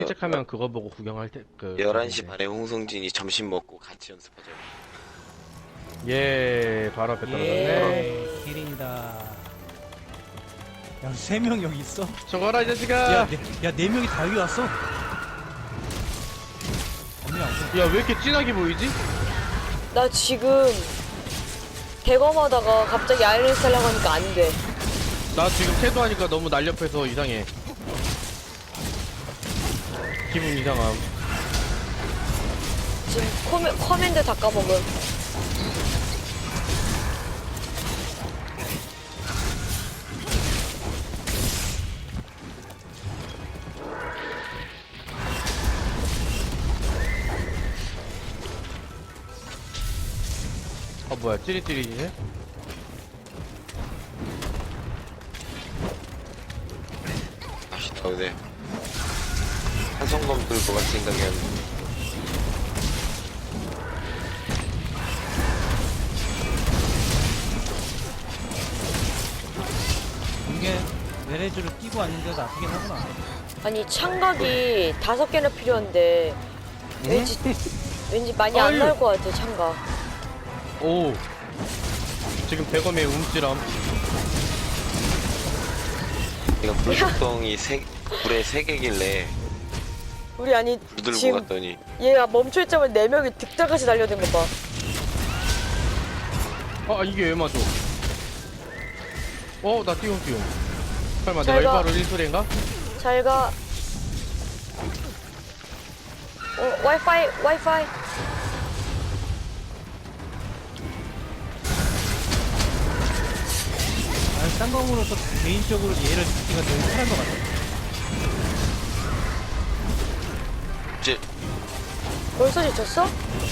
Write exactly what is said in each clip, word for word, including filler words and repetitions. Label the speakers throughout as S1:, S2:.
S1: 시작하면 그거 보고 구경할 때, 그.
S2: 열한 시 반에 홍성진이 점심 먹고 같이 연습하자.
S1: 예, 바로 앞에 떨어졌네.
S3: 예, 키린이다. 야, 세 명 여기 있어?
S1: 저거라, 이 자식아!
S3: 야, 네, 야, 네 명이 다 여기 왔어? 아니야, 없어.
S1: 야, 왜 이렇게 진하게 보이지?
S4: 나 지금 대검하다가 갑자기 아이리스 하려고 하니까 안 돼.
S1: 나 지금 태도하니까 너무 날렵해서 이상해. 기분 이상함.
S4: 지금 코메, 커맨드 다 까먹음.
S1: 아, 뭐야, 찌릿찌릿이네?
S2: 맛있다, 근데. 한성검 들고 갈 생각이었는데.
S3: 이게 내레즈를 끼고 왔는데도 아프긴 하구나.
S4: 아니 창각이 다섯 개나 필요한데 왠지 왠지 많이 안
S1: 아유.
S4: 나올 것 같아 창각.
S1: 오. 지금 대검에 움찔함.
S2: 내가 불속덩이 세, 불에 세 개길래
S4: 우리 아니
S2: 불 들고
S4: 지금
S2: 갔더니
S4: 얘가 멈춰있자마자 네 명이 득달같이 달려든 거 봐.
S1: 아, 이게 왜 맞아? 어, 나 띠용띠용. 설마
S4: 잘
S1: 내가
S4: 가.
S1: 일바로 일소리인가?
S4: 잘 가. 어 와이파이 와이파이.
S3: 아, 쌍검으로서 개인적으로 얘를 듣기가 되게 편한 것 같아.
S2: 이제
S4: 벌써 지쳤어?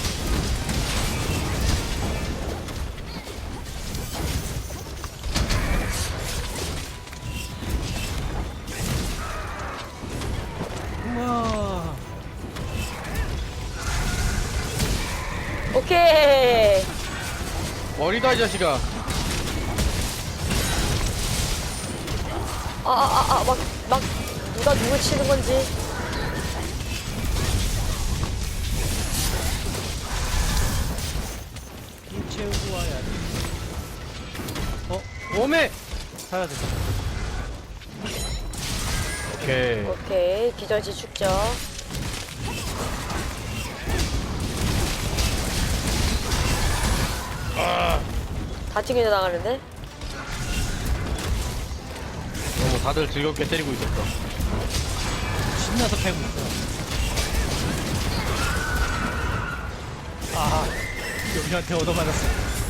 S3: 우와.
S4: 오케이.
S1: 머리다, 이 자식아.
S4: 아 아 아 막 막 누가 누굴 치는 건지.
S3: 피 채우고 와야 돼. 어?
S1: 오메!
S3: 사야 돼.
S1: 오케이.
S4: 오케이 기절지 축적. 다 튕겨 나가는데?
S1: 너무 다들 즐겁게 때리고 있었어.
S3: 신나서 패고 있어. 아, 여기한테 얻어맞았어.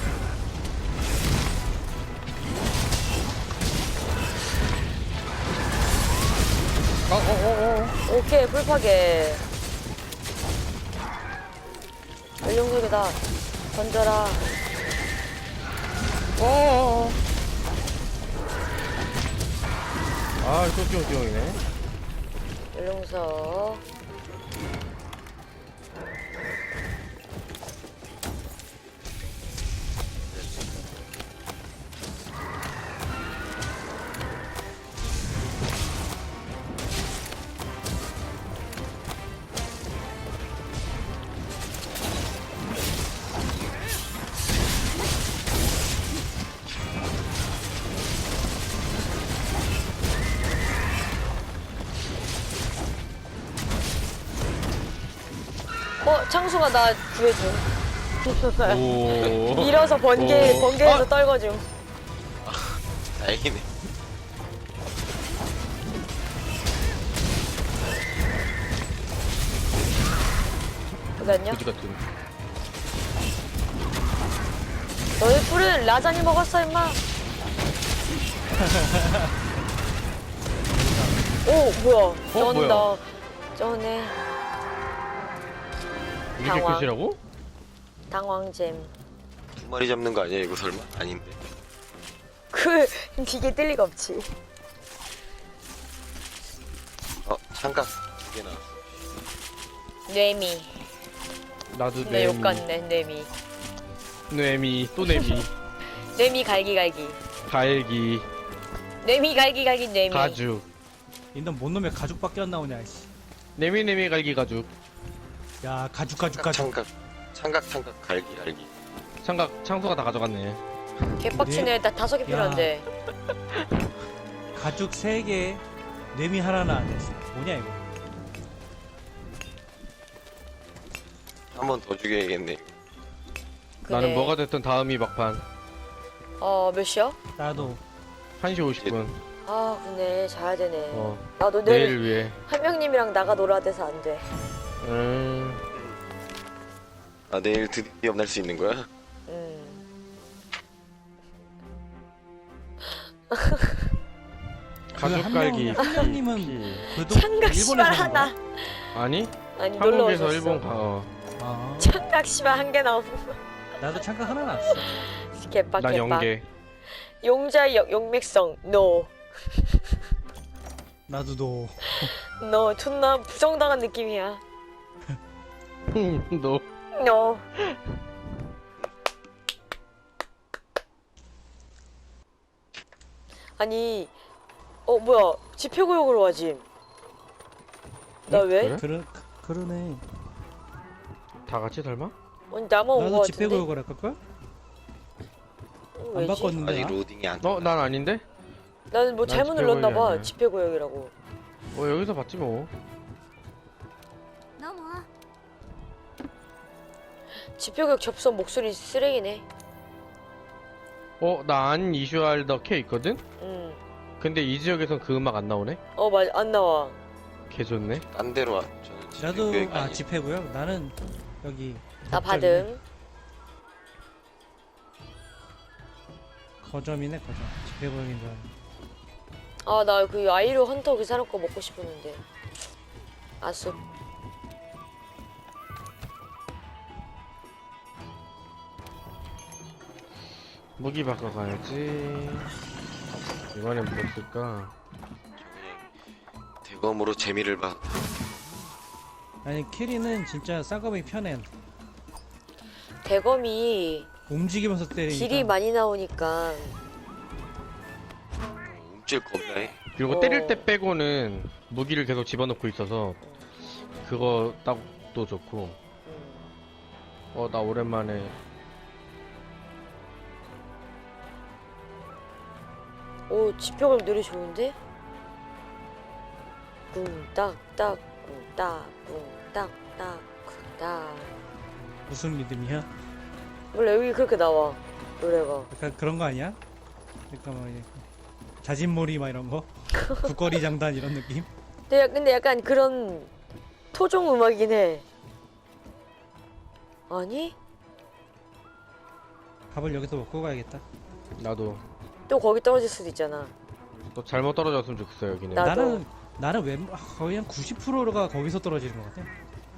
S1: 아, 어, 어, 어.
S4: 오케이 풀파괴. 연룡석이다. 던져라.
S1: 어, 어, 어. 아, 또 띠용띠용이네.
S4: 연룡석. 어 창수가 나 구해줌.
S1: 오.
S4: 밀어서 번개
S1: 오.
S4: 번개에서
S1: 아!
S4: 떨궈줌.
S2: 다행이네.
S4: 어디 갔냐?
S1: 그지 같은.
S4: 너희 뿔은 라자니 먹었어 임마. 오 뭐야? 쩐다.
S1: 뭐야?
S4: 쩌네.
S1: 이게
S4: 당황.
S1: 끝이라고?
S4: 당황잼.
S2: 두 마리 잡는 거 아니야, 이거 설마? 아닌데.
S4: 그 이게 뜰 리가 없지.
S2: 어, 창각 두 개 나왔어.
S4: 뇌미.
S1: 나도
S4: 내 욕
S1: 뇌미.
S4: 같네 뇌미.
S1: 뇌미, 또 뇌미.
S4: 뇌미 갈기갈기.
S1: 갈기,
S4: 뇌미 갈기갈기 뇌미.
S1: 가죽.
S3: 인던 뭔 놈의 가죽밖에 안 나오냐, 씨.
S1: 네미네미 갈기 가죽.
S3: 야 가죽 가죽 가죽.
S2: 창각 창각 창각 갈기 갈기.
S1: 창각 창수가 다 가져갔네.
S4: 개빡치네. 나 다섯 개 필요한데.
S3: 가죽 세 개, 뇌미 하나는 안 됐어. 뭐냐 이거?
S2: 한 번 더 죽여야겠네.
S1: 나는
S4: 그래.
S1: 뭐가 됐든 다음이 막판.
S4: 어, 몇 시야?
S3: 나도
S1: 한 시 오십 분.
S4: 아, 그네. 자야 되네.
S1: 어.
S4: 나도 내일
S1: 내일 위해.
S4: 한명님이랑 나가 놀아야 돼서 안 돼.
S1: 음.
S2: 아 내일 드디어 만날 수 있는 거야?
S4: 음.
S1: 가죽 갈기.
S3: 한 명님은
S1: 피.
S3: 그래도
S4: 창각 씨발
S3: 일본에서 사는
S4: 하나.
S3: 거야?
S1: 아니?
S4: 아니, 놀러
S1: 한국에서
S4: 오셨어.
S1: 일본 가. 어.
S3: 아,
S4: 창각 씨발 한 개 나오고.
S3: 나도 창각 하나 났어.
S4: 개빡
S1: 난
S4: 개빡.
S1: 연계.
S4: 용자의 역- 용맥성. 노.
S3: 나도 너.
S4: 너 존나 부정당한 느낌이야.
S1: 너.
S4: 노. 아니, 어 뭐야? 집회구역으로 와지. 나
S1: 응?
S4: 왜?
S1: 그래?
S3: 그러 그러네.
S1: 다 같이 설마?
S4: 아니 나만 온거
S3: 나도
S4: 같은데.
S3: 집회구역을 할까 걸?
S4: 어,
S3: 안
S4: 왜지?
S3: 바꿨는데.
S2: 아직
S3: 나?
S2: 로딩이 안.
S1: 어, 난 아닌데?
S4: 나는 뭐
S1: 난
S4: 잘못
S1: 집회구역이
S4: 눌렀나봐.
S1: 아니야.
S4: 집회구역이라고.
S1: 어, 여기서 봤지 뭐.
S4: 집회구역 접선 목소리 쓰레기네.
S1: 어, 나 안 이슈할 더 K 있거든?
S4: 응.
S1: 근데 이 지역에선 그 음악 안 나오네?
S4: 어 맞아 안 나와.
S1: 개 좋네.
S2: 딴 데로 와. 저는 집에
S3: 나도
S2: 교육이
S3: 아
S2: 아니-
S3: 집회구역. 나는 여기.
S4: 나 받음.
S3: 거점이네 거점. 집회구역인 줄 알았네.
S4: 아 나 그 아이로 헌터 그 사람 거 먹고 싶었는데. 아쉽.
S1: 무기 바꿔가야지. 이번엔 뭐 쓸까?
S2: 대검으로 재미를 봐.
S3: 아니 캐리는 진짜 쌍꺼풀이 편해.
S4: 대검이
S3: 움직이면서 때리니까.
S4: 딜이 많이 나오니까.
S2: 움찔 겁나 해.
S1: 그리고
S4: 어.
S1: 때릴 때 빼고는 무기를 계속 집어넣고 있어서 그거 딱도 좋고.
S4: 음.
S1: 어, 나 오랜만에
S4: 오 집회구역 노래 좋은데? 꿍딱딱 꿍딱 꿍딱딱 쿵딱.
S3: 무슨 리듬이야?
S4: 원래 여기 그렇게 나와 노래가.
S3: 약간 그런 거 아니야? 그러니까 뭐 이제 자진몰이 막 이런 거? 국거리 장단 이런 느낌?
S4: 근데, 약- 근데 약간 그런 토종 음악이긴 해. 아니?
S3: 밥을 여기서 먹고 가야겠다.
S1: 나도
S4: 또 거기 떨어질 수도 있잖아.
S1: 또 잘못 떨어졌으면 좋겠어 여기는.
S4: 나- 나도.
S3: 나는 나는 웬 거의 한 구십 퍼센트가 거기서 떨어지는 것 같아.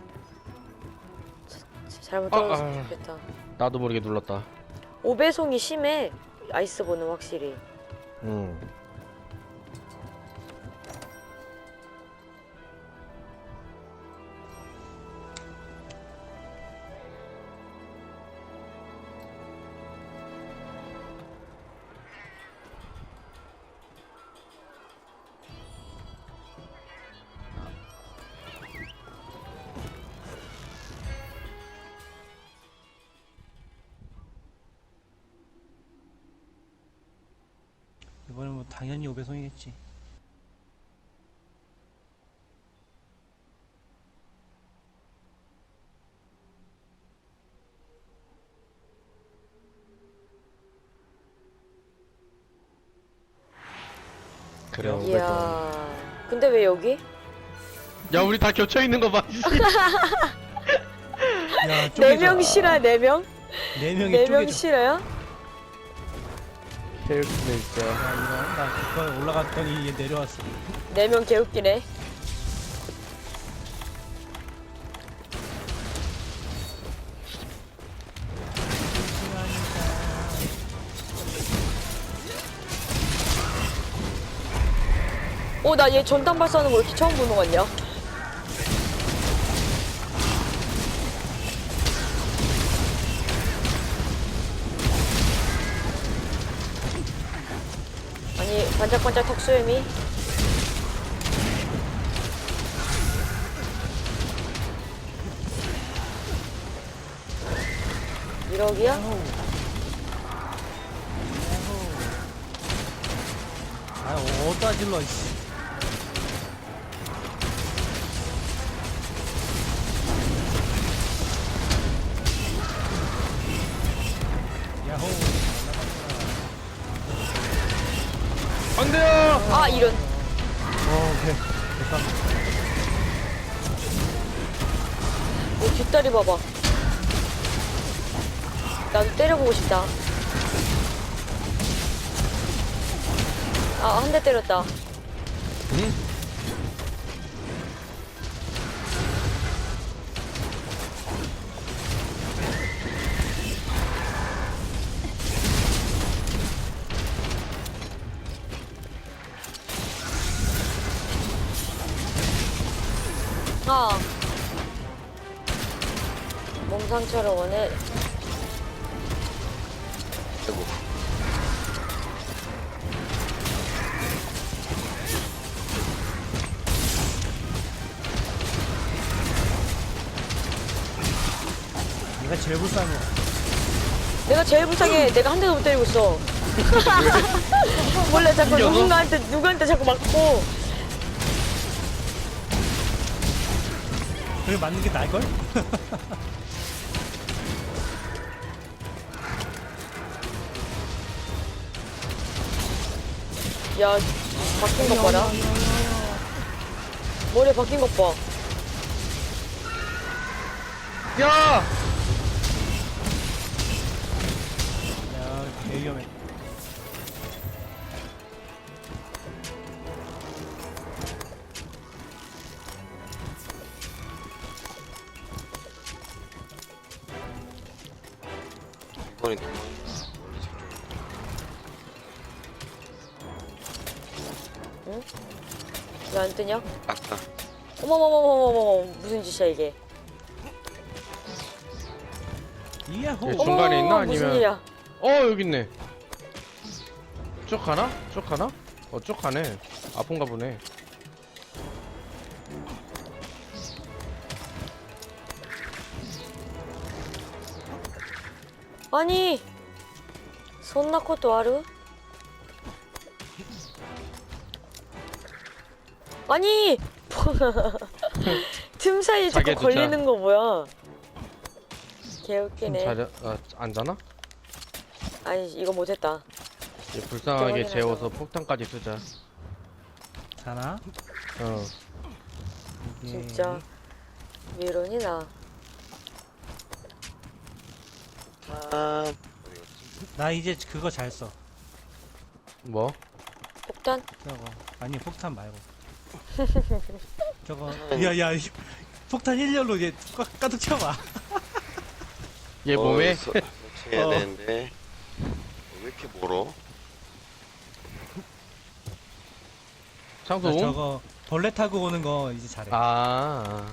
S4: 잘못
S1: 아,
S4: 떨어졌으면
S1: 아.
S4: 좋겠다.
S1: 나도 모르게 눌렀다.
S4: 오배송이 심해. 아이스본은 확실히.
S1: 응.
S3: 이번엔 뭐 당연히 오배송이겠지.
S1: 그래. 오백원.
S4: 이야. 근데 왜 여기?
S1: 야, 우리 다 겹쳐 있는 거 봐. 씨.
S3: 야,
S4: 네 명 실화 네 명?
S3: 네 명이
S4: 네 명
S3: 쪼개져.
S4: 실화야?
S1: 케이스네 진짜.
S3: 야 이거 나 그거 올라갔더니 얘 내려왔어.
S4: 네 명 개웃기네. 어, 나 얘 전탄 발사하는 거 이렇게 처음 보는 거 같냐? 아니, 반짝반짝 턱수염이. 일억이야?
S3: 아, 어디다 질러, 씨. 야호.
S1: 안 돼요!
S4: 아, 이런.
S3: 어, 오케이. 됐다.
S4: 오, 뒷다리 봐봐. 나도 때려보고 싶다. 아, 한 대 때렸다.
S1: 응?
S4: 아. 몸 상처를 원해.
S2: 아이고.
S3: 내가 제일 불쌍해.
S4: 내가 제일 불쌍해. 내가 한 대도 못 때리고 있어. 원래 자꾸
S1: 이겨서?
S4: 누군가한테, 누구한테 자꾸 맞고.
S3: 그게 맞는 게 나을걸?
S4: 야, 바뀐 것 봐라. 머리 바뀐 것 봐.
S1: 야!
S3: 야, 개 위험해.
S2: 이번에
S4: 왜 안 뜨냐?
S2: 아까
S4: 어머머머머머머, 무슨 짓이야, 이게.
S3: 이야호.
S1: 예, 중간에 있나?
S4: 어머, 무슨
S1: 아니면-
S4: 일이야.
S1: 어, 여기 있네. 쭉 가나? 쭉 가나? 어, 쭉 가네. 아픈가 보네.
S4: 아니, 손나코도 아르? 아니! 틈 사이에 자꾸
S1: 자기의
S4: 걸리는 거 뭐야?
S1: 좀
S4: 개웃기네.
S1: 자자, 아, 안 자나?
S4: 아니, 이거 못했다.
S1: 이제 불쌍하게
S4: 확인하자.
S1: 재워서 폭탄까지 쓰자.
S3: 자나?
S1: 어.
S3: 이게-
S4: 진짜. 미론이 나.
S2: 아
S3: 나 이제 그거 잘 써.
S1: 뭐?
S4: 폭탄?
S3: 저거. 아니, 폭탄 말고. 저거. 야, 야, 이- 폭탄 일렬로 얘 가, 가득 채워봐.
S1: 얘 몸에?
S2: 서, 설치해야
S3: 어.
S2: 되는데 왜 이렇게 멀어?
S1: 창수
S3: 나
S1: 옹?
S3: 저거 벌레 타고 오는 거 이제 잘해.
S1: 아.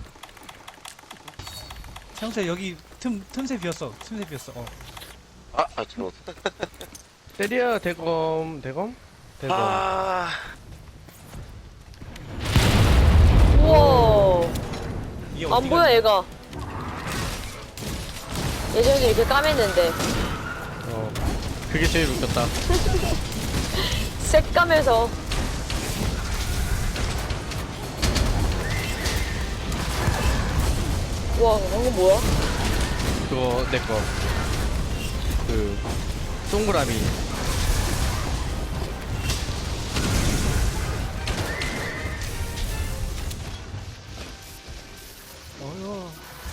S3: 형태 여기 틈 틈새 비었어. 틈새 비었어. 어.
S2: 아, 아 잘못.
S1: 때려, 대검, 대검? 대검.
S2: 아,
S4: 우와.
S3: 이게
S4: 안
S3: 어디가-
S4: 보여, 얘가. 예전에도 이렇게 까맸는데.
S1: 어. 그게 제일 웃겼다.
S4: 새까매서. 와, 방금 뭐야?
S1: 그거, 내 거. 그, 동그라미.
S3: 어휴.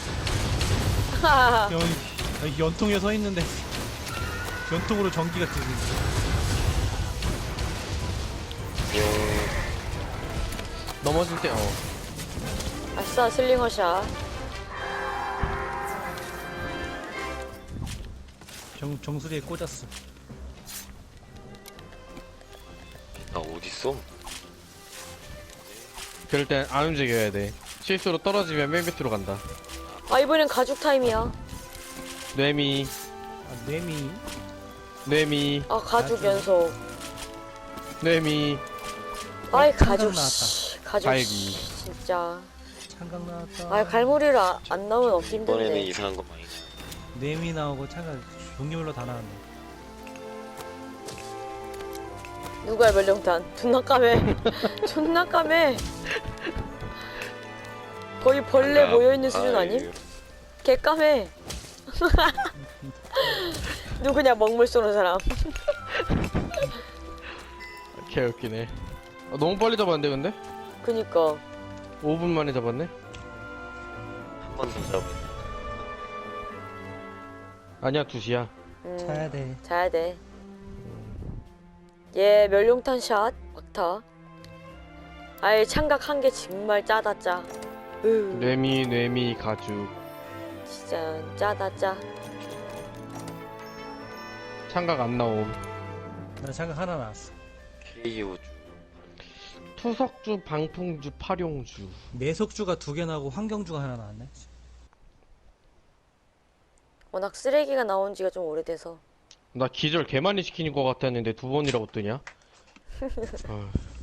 S4: 하하하.
S3: 여기, 여기 연통에 서 있는데 연통으로 전기가 뜨고 있어.
S2: 음,
S1: 넘어질 때, 어.
S4: 아싸, 슬링어샷.
S3: 정 정수리에 꽂았어.
S2: 나 어디 있어?
S1: 그럴 땐 안 움직여야 돼. 실수로 떨어지면 맨 밑으로 간다.
S4: 아, 이번엔 가죽 타임이야.
S1: 뇌미,
S3: 아, 뇌미.
S1: 뇌미,
S4: 아, 가죽
S3: 가죽.
S4: 연속.
S1: 뇌미.
S4: 아이,
S3: 창강
S4: 가죽,
S3: 나왔다.
S4: 씨. 가죽,
S1: 갈기.
S4: 씨. 진짜.
S3: 창강 나왔다.
S4: 아, 갈무리를 아, 안 나오면 없기
S2: 이번에는
S4: 힘든데.
S2: 이상한 거 많이 나.
S3: 뇌미 나오고 차가 종류별로 다 나왔네.
S4: 누가 멸령탄? 존나 까매. 존나 까매. 거의 벌레 모여있는 수준 아님? 개 까매. 누구냐 먹물 쏘는 사람.
S1: 개웃기네. 아, 너무 빨리 잡았는데 근데?
S4: 그니까.
S1: 오 분 만에 잡았네?
S2: 한 번 더 잡.
S1: 아니야 두 시야.
S4: 음,
S3: 차야 돼.
S4: 자야 돼. 얘 멸룡탄 샷 막타. 아예 창각 한 개 정말 짜다 짜. 으,
S1: 뇌미 뇌미 가죽.
S4: 진짜 짜다 짜.
S1: 창각 안 나옴.
S3: 나 차가 하나 나왔어.
S2: 케이오주.
S1: 투석주, 방풍주, 파룡주.
S3: 내속주가 두 개 나오고 환경주가 하나 나왔네.
S4: 워낙 쓰레기가 나온 지가 좀 오래돼서.
S1: 나 기절 개 많이 시키는 것 같았는데 두 번이라고 뜨냐? 아,